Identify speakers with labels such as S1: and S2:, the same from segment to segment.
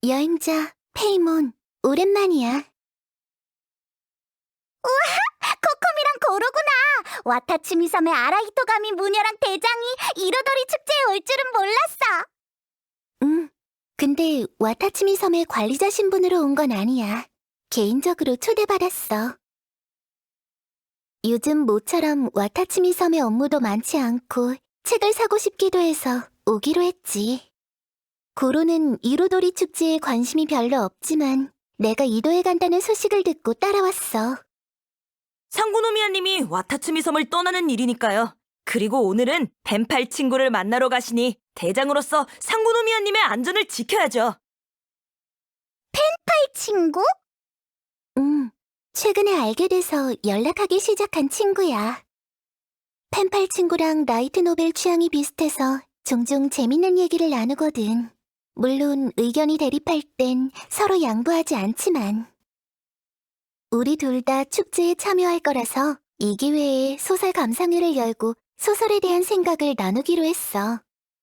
S1: 여행자, 페이몬, 오랜만이야.
S2: 코코미랑 고로구나. 와타츠미 섬의 아라히토가미 무녀랑 대장이 이로도리 축제에 올 줄은 몰랐어.
S1: 근데 와타츠미 섬의 관리자 신분으로 온 건 아니야. 개인적으로 초대받았어. 요즘 모처럼 와타츠미 섬의 업무도 많지 않고 책을 사고 싶기도 해서 오기로 했지. 고로는 이로도리 축제에 관심이 별로 없지만 내가 이도에 간다는 소식을 듣고 따라왔어.
S3: 상구노미아님이 와타츠미 섬을 떠나는 일이니까요. 그리고 오늘은 펜팔 친구를 만나러 가시니 대장으로서 상구노미아님의 안전을 지켜야죠.
S2: 친구?
S1: 최근에 알게 돼서 연락하기 시작한 친구야. 펜팔 친구랑 라이트 노벨 취향이 비슷해서 종종 재밌는 얘기를 나누거든. 물론 의견이 대립할 땐 서로 양보하지 않지만. 우리 둘 다 축제에 참여할 거라서 이 기회에 소설 감상회를 열고 소설에 대한 생각을 나누기로 했어.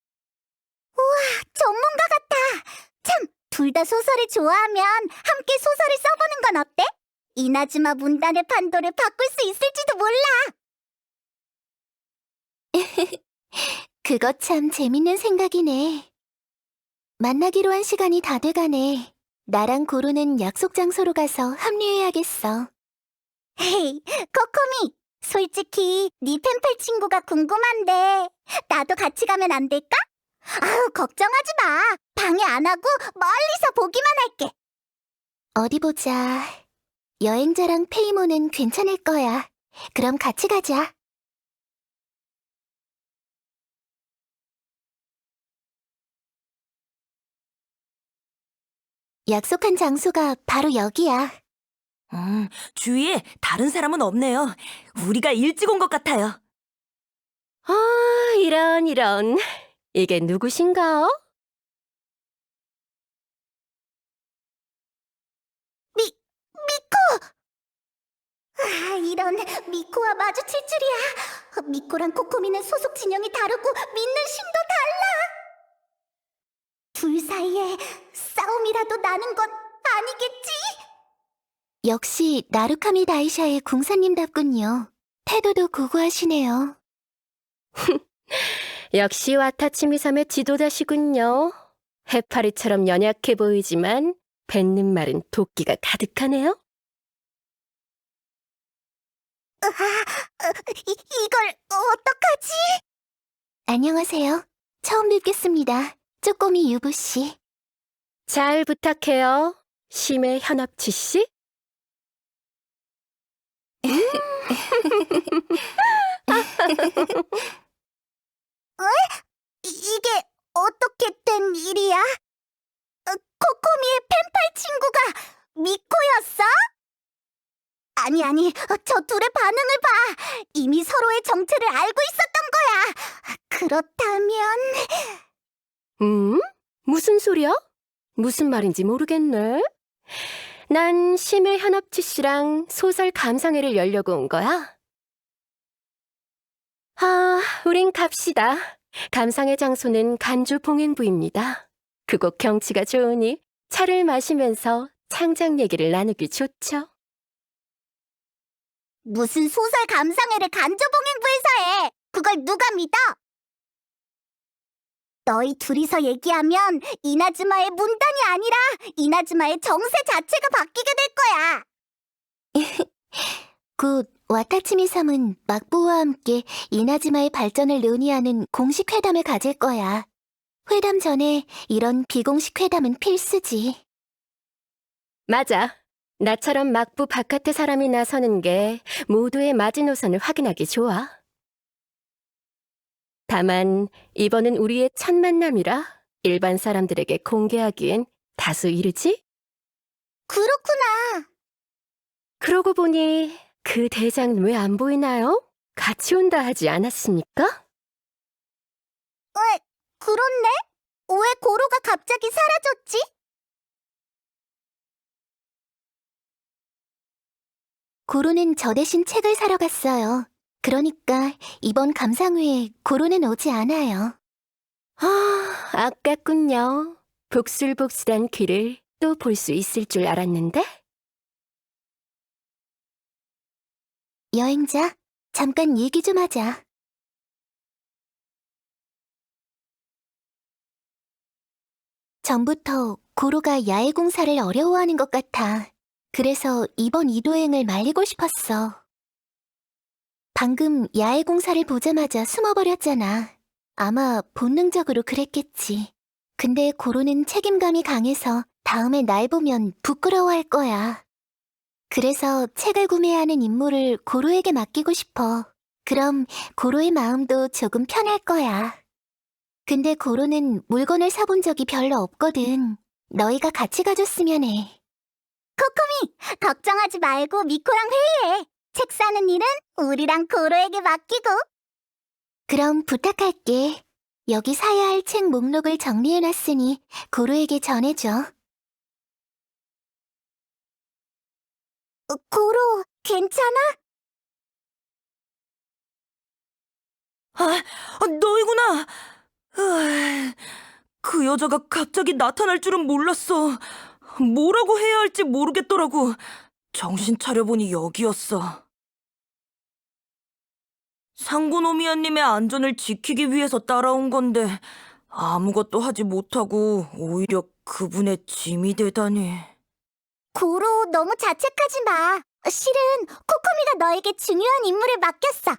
S2: 전문가 같아. 참, 둘 다 소설을 좋아하면 함께 소설을 써보는 건 어때? 이나즈마 문단의 판도를 바꿀 수 있을지도 몰라.
S1: 그거 참 재밌는 생각이네. 만나기로 한 시간이 다 돼가네. 나랑 고루는 약속 장소로 가서 합류해야겠어.
S2: 헤이, 코코미. 솔직히 네 펜팔 친구가 궁금한데 나도 같이 가면 안 될까? 아우, 걱정하지 마. 방해 안 하고 멀리서 보기만 할게.
S1: 어디 보자. 여행자랑 페이모는 괜찮을 거야. 그럼 같이 가자. 약속한 장소가 바로 여기야.
S3: 주위에 다른 사람은 없네요. 우리가 일찍 온 것 같아요.
S4: 이런. 이게 누구신가?
S2: 이런, 미코와 마주칠 줄이야. 미코랑 코코미는 소속 진영이 다르고 믿는 신도 달라. 둘 사이에 싸움이라도 나는 건 아니겠지?
S1: 역시 나루카미 다이샤의 궁사님답군요. 태도도 고고하시네요.
S4: 역시 와타치미 섬의 지도자시군요. 해파리처럼 연약해 보이지만 뱉는 말은 도끼가 가득하네요.
S2: 이걸 어떡하지?
S1: 안녕하세요. 처음 뵙겠습니다. 쪼꼬미 유부씨.
S4: 잘 부탁해요. 심해 현업치 씨.
S2: 이게 어떻게 된 일이야? 코코미의 펜팔 친구가 미코였어? 아니, 저 둘의 반응을 봐. 이미 서로의 정체를 알고 있었던 거야. 그렇다면...
S4: 무슨 소리야? 무슨 말인지 모르겠네. 난 심해 현업치 씨랑 소설 감상회를 열려고 온 거야. 우린 갑시다. 감상회 장소는 간주 봉행부입니다. 그곳 경치가 좋으니 차를 마시면서 창작 얘기를 나누기 좋죠.
S2: 무슨 소설 감상회를 간조봉행부에서 해. 그걸 누가 믿어? 너희 둘이서 얘기하면 이나즈마의 문단이 아니라 이나즈마의 정세 자체가 바뀌게 될 거야.
S1: 곧 와타치미 섬은 막부와 함께 이나즈마의 발전을 논의하는 공식 회담을 가질 거야. 회담 전에 이런 비공식 회담은 필수지.
S4: 맞아. 나처럼 막부 바깥의 사람이 나서는 게 모두의 마지노선을 확인하기 좋아. 다만 이번은 우리의 첫 만남이라 일반 사람들에게 공개하기엔 다소 이르지?
S2: 그렇구나.
S4: 그러고 보니 그 대장은 왜 안 보이나요? 같이 온다 하지 않았습니까?
S2: 그렇네? 왜 고로가 갑자기 사라졌지?
S1: 고로는 저 대신 책을 사러 갔어요. 그러니까 이번 감상회에 고로는 오지 않아요.
S4: 아깝군요. 복슬복슬한 귀를 또 볼 수 있을 줄 알았는데?
S1: 여행자, 잠깐 얘기 좀 하자. 전부터 고로가 야외 공사를 어려워하는 것 같아. 그래서 이번 이도행을 말리고 싶었어. 방금 야외 공사를 보자마자 숨어버렸잖아. 아마 본능적으로 그랬겠지. 근데 고로는 책임감이 강해서 다음에 날 보면 부끄러워할 거야. 그래서 책을 구매하는 임무를 고로에게 맡기고 싶어. 그럼 고로의 마음도 조금 편할 거야. 근데 고로는 물건을 사본 적이 별로 없거든. 너희가 같이 가줬으면 해.
S2: 코코미, 걱정하지 말고 미코랑 회의해. 책 사는 일은 우리랑 고로에게 맡기고.
S1: 그럼 부탁할게. 여기 사야 할 책 목록을 정리해놨으니 고로에게 전해줘.
S2: 고로, 괜찮아?
S3: 너희구나. 그 여자가 갑자기 나타날 줄은 몰랐어. 뭐라고 해야 할지 모르겠더라고. 정신 차려보니 여기였어. 상고노미아님의 안전을 지키기 위해서 따라온 건데 아무것도 하지 못하고 오히려 그분의 짐이 되다니.
S2: 고로, 너무 자책하지 마. 실은 코코미가 너에게 중요한 임무를 맡겼어.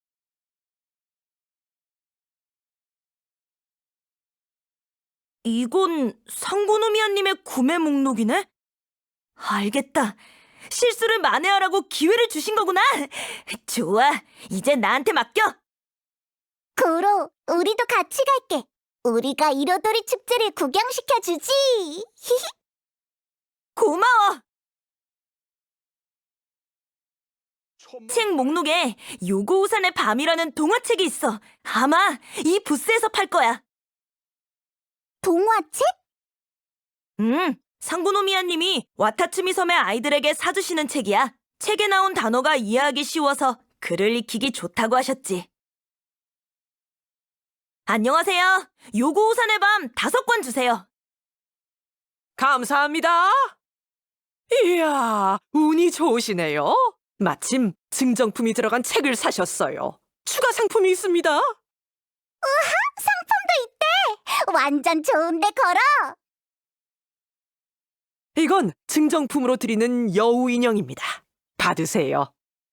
S3: 이건 상고노미아님의 구매 목록이네? 알겠다. 실수를 만회하라고 기회를 주신 거구나. 좋아, 이제 나한테 맡겨.
S2: 고로, 우리도 같이 갈게. 우리가 이로도리 축제를 구경시켜주지.
S3: 고마워. 책 목록에 요고우산의 밤이라는 동화책이 있어. 아마 이 부스에서 팔 거야.
S2: 동화책?
S3: 상고노미아님이 와타츠미 섬의 아이들에게 사주시는 책이야. 책에 나온 단어가 이해하기 쉬워서 글을 익히기 좋다고 하셨지. 안녕하세요. 요고우산의 밤 5권 주세요.
S5: 감사합니다. 이야, 운이 좋으시네요. 마침 증정품이 들어간 책을 사셨어요. 추가 상품이 있습니다.
S2: 상품도 있대. 완전 좋은데, 걸어.
S5: 이건 증정품으로 드리는 여우 인형입니다. 받으세요.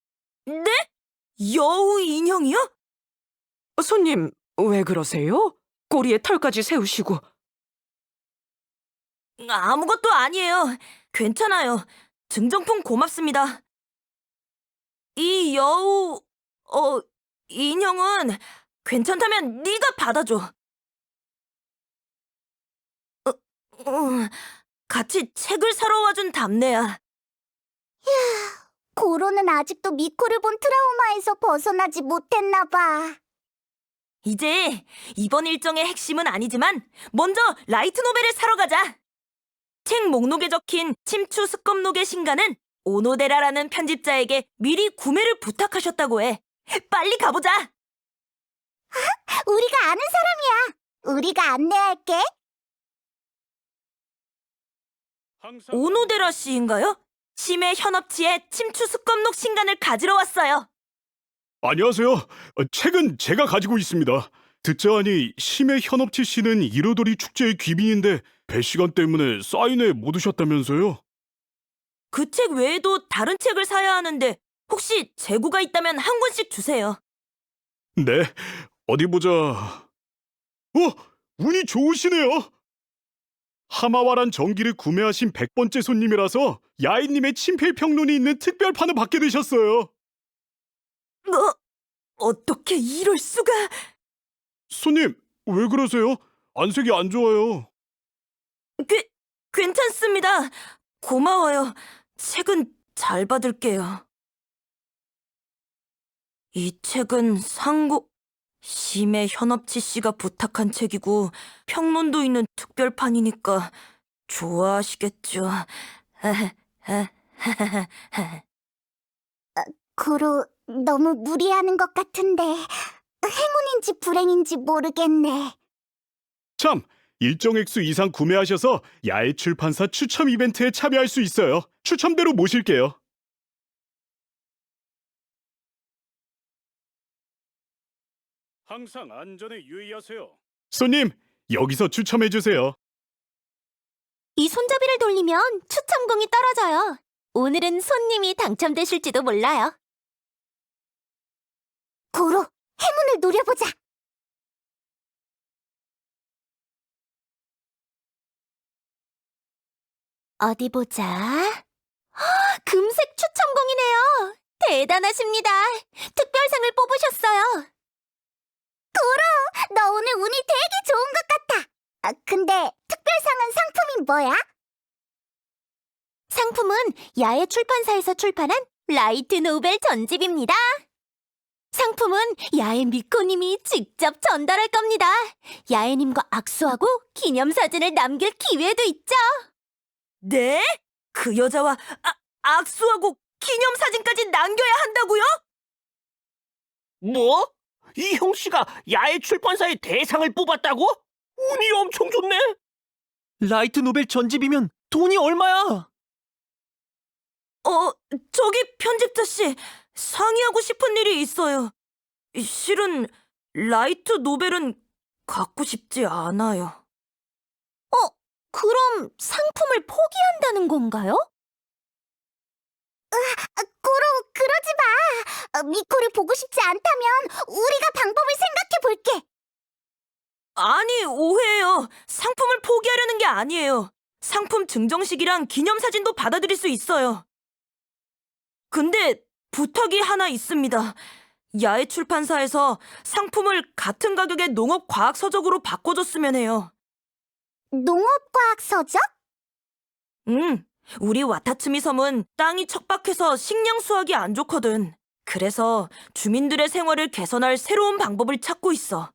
S3: 네? 여우 인형이요?
S5: 손님, 왜 그러세요? 꼬리에 털까지 세우시고.
S3: 아무것도 아니에요. 괜찮아요. 증정품 고맙습니다. 이 여우... 인형은 괜찮다면 네가 받아줘. 같이 책을 사러 와준 답네야.
S2: 고로는 아직도 미코를 본 트라우마에서 벗어나지 못했나 봐.
S3: 이제 이번 일정의 핵심은 아니지만 먼저 라이트 노벨을 사러 가자. 책 목록에 적힌 침추 습검록의 신간은 오노데라라는 편집자에게 미리 구매를 부탁하셨다고 해. 빨리 가보자.
S2: 우리가 아는 사람이야. 우리가 안내할게.
S3: 오노데라 씨인가요? 심해 현업치의 침추 습검록 신간을 가지러 왔어요.
S6: 안녕하세요. 책은 제가 가지고 있습니다. 듣자 하니 심해 현업치 씨는 이로도리 축제의 귀빈인데 배 시간 때문에 사인회 못 오셨다면서요?
S3: 그 책 외에도 다른 책을 사야 하는데 혹시 재고가 있다면 한 권씩 주세요.
S6: 네, 어디 보자. 운이 좋으시네요. 하마와란 전기를 구매하신 100번째 손님이라서 야인님의 친필 평론이 있는 특별판을 받게 되셨어요.
S3: 어떻게 이럴 수가?
S6: 손님, 왜 그러세요? 안색이 안 좋아요.
S3: 괜찮습니다. 고마워요. 책은 잘 받을게요. 이 책은 심해 현업치 씨가 부탁한 책이고 평론도 있는 특별판이니까 좋아하시겠죠.
S2: 고로, 너무 무리하는 것 같은데 행운인지 불행인지 모르겠네.
S6: 참, 일정 액수 이상 구매하셔서 야외 출판사 추첨 이벤트에 참여할 수 있어요. 추첨대로 모실게요. 항상 안전에 유의하세요. 손님, 여기서 추첨해 주세요.
S1: 이 손잡이를 돌리면 추첨공이 떨어져요. 오늘은 손님이 당첨되실지도 몰라요.
S2: 고로, 행운을 노려보자.
S1: 어디 보자. 금색 추첨공이네요. 대단하십니다. 특별상을 뽑으셨어요.
S2: 너 오늘 운이 되게 좋은 것 같아. 근데 특별상은 상품이 뭐야?
S1: 상품은 야외 출판사에서 출판한 라이트 노벨 전집입니다. 상품은 야외 미코님이 직접 전달할 겁니다. 야외님과 악수하고 기념사진을 남길 기회도 있죠.
S3: 네? 그 여자와 악수하고 기념사진까지 남겨야 한다고요?
S7: 뭐? 이 형씨가 야외 출판사의 대상을 뽑았다고? 운이 엄청 좋네. 라이트 노벨 전집이면 돈이 얼마야?
S3: 저기 편집자 씨, 상의하고 싶은 일이 있어요. 실은 라이트 노벨은 갖고 싶지 않아요.
S1: 그럼 상품을 포기한다는 건가요?
S2: 고로, 그러지 마. 미코를 보고 싶지 않다면 우리가 방법을 생각해 볼게.
S3: 아니, 오해예요. 상품을 포기하려는 게 아니에요. 상품 증정식이랑 기념사진도 받아들일 수 있어요. 근데 부탁이 하나 있습니다. 야외 출판사에서 상품을 같은 가격의 농업과학서적으로 바꿔줬으면 해요.
S2: 농업과학 서적?
S3: 우리 와타츠미 섬은 땅이 척박해서 식량 수확이 안 좋거든. 그래서 주민들의 생활을 개선할 새로운 방법을 찾고 있어.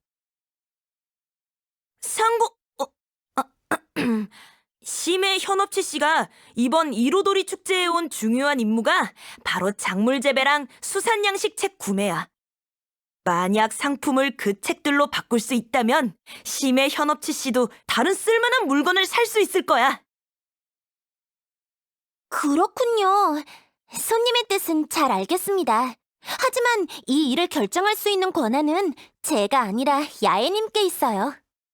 S3: 심해 현업치 씨가 이번 이로도리 축제에 온 중요한 임무가 바로 작물 재배랑 수산 양식 책 구매야. 만약 상품을 그 책들로 바꿀 수 있다면 심해 현업치 씨도 다른 쓸만한 물건을 살 수 있을 거야.
S1: 그렇군요. 손님의 뜻은 잘 알겠습니다. 하지만 이 일을 결정할 수 있는 권한은 제가 아니라 야애님께 있어요.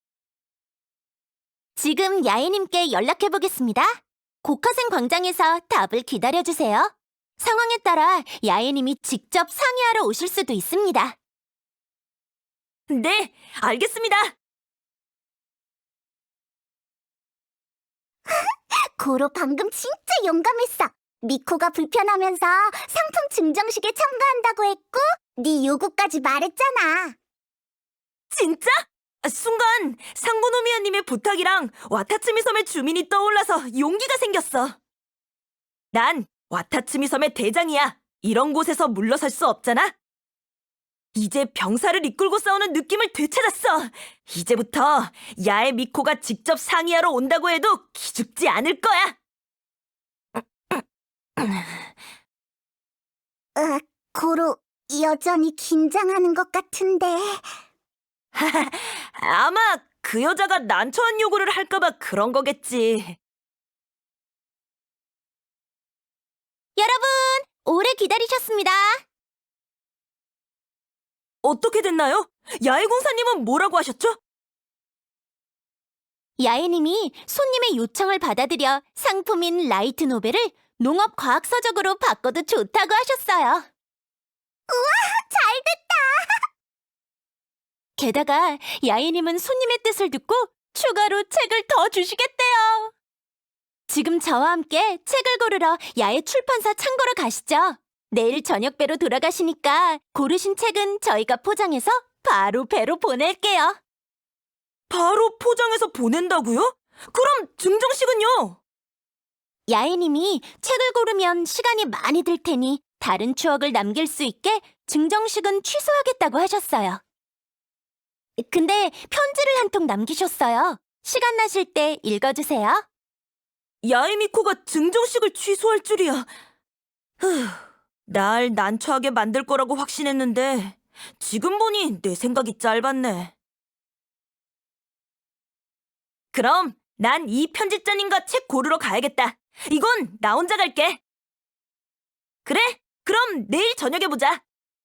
S1: 지금 야애님께 연락해보겠습니다. 고카센 광장에서 답을 기다려주세요. 상황에 따라 야애님이 직접 상의하러 오실 수도 있습니다.
S3: 네, 알겠습니다.
S2: 고로 방금 진짜 용감했어. 미코가 불편하면서 상품 증정식에 참가한다고 했고 네 요구까지 말했잖아.
S3: 진짜? 순간 상고노미아님의 부탁이랑 와타츠미 섬의 주민이 떠올라서 용기가 생겼어. 난 와타츠미 섬의 대장이야. 이런 곳에서 물러설 수 없잖아. 이제 병사를 이끌고 싸우는 느낌을 되찾았어. 이제부터 야의 미코가 직접 상의하러 온다고 해도 기죽지 않을 거야.
S2: 고로 여전히 긴장하는 것 같은데.
S3: 아마 그 여자가 난처한 요구를 할까봐 그런 거겠지.
S1: 여러분, 오래 기다리셨습니다.
S3: 어떻게 됐나요? 야외공사님은 뭐라고 하셨죠?
S1: 야애님이 손님의 요청을 받아들여 상품인 라이트 노벨을 농업과학서적으로 바꿔도 좋다고 하셨어요.
S2: 잘됐다.
S1: 게다가 야애님은 손님의 뜻을 듣고 추가로 책을 더 주시겠대요. 지금 저와 함께 책을 고르러 야외 출판사 창고로 가시죠. 내일 저녁배로 돌아가시니까 고르신 책은 저희가 포장해서 바로 배로 보낼게요.
S3: 바로 포장해서 보낸다고요? 그럼 증정식은요?
S1: 야애님이 책을 고르면 시간이 많이 들 테니 다른 추억을 남길 수 있게 증정식은 취소하겠다고 하셨어요. 근데 편지를 한 통 남기셨어요. 시간 나실 때 읽어주세요.
S3: 야에미코가 증정식을 취소할 줄이야. 날 난처하게 만들 거라고 확신했는데 지금 보니 내 생각이 짧았네. 그럼 난 이 편집자님과 책 고르러 가야겠다. 이건 나 혼자 갈게. 그래? 그럼 내일 저녁에 보자.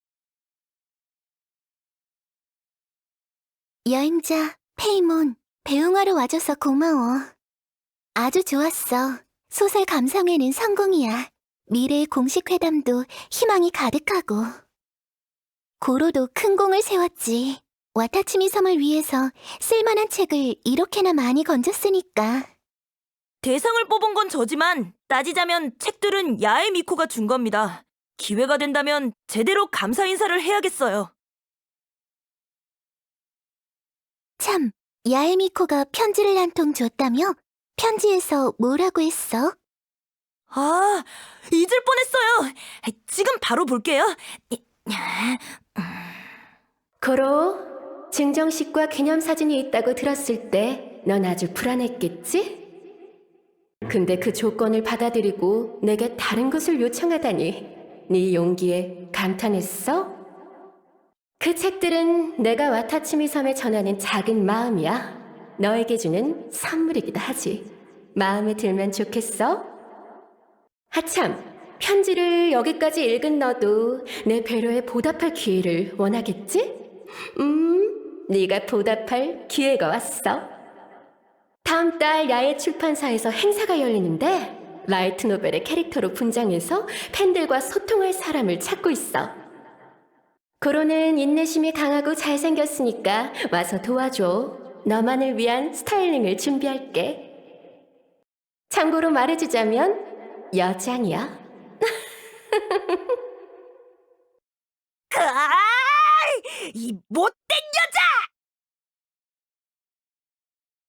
S1: 여행자 페이몬, 배웅하러 와줘서 고마워. 아주 좋았어. 소설 감상회는 성공이야. 미래의 공식 회담도 희망이 가득하고. 고로도 큰 공을 세웠지. 와타치미 섬을 위해서 쓸만한 책을 이렇게나 많이 건졌으니까.
S3: 대상을 뽑은 건 저지만 따지자면 책들은 야에 미코가 준 겁니다. 기회가 된다면 제대로 감사 인사를 해야겠어요.
S1: 참, 야에미코가 편지를 한 통 줬다며? 편지에서 뭐라고 했어?
S3: 아, 잊을 뻔했어요. 지금 바로 볼게요.
S4: 고로, 증정식과 기념사진이 있다고 들었을 때 넌 아주 불안했겠지? 근데 그 조건을 받아들이고 내게 다른 것을 요청하다니 네 용기에 감탄했어? 그 책들은 내가 와타치미 섬에 전하는 작은 마음이야. 너에게 주는 선물이기도 하지. 마음에 들면 좋겠어? 하참, 편지를 여기까지 읽은 너도 내 배려에 보답할 기회를 원하겠지? 네가 보답할 기회가 왔어. 다음 달 야외 출판사에서 행사가 열리는데 라이트 노벨의 캐릭터로 분장해서 팬들과 소통할 사람을 찾고 있어. 고로는 인내심이 강하고 잘생겼으니까 와서 도와줘. 너만을 위한 스타일링을 준비할게. 참고로 말해주자면 여장이야.
S3: 이 못된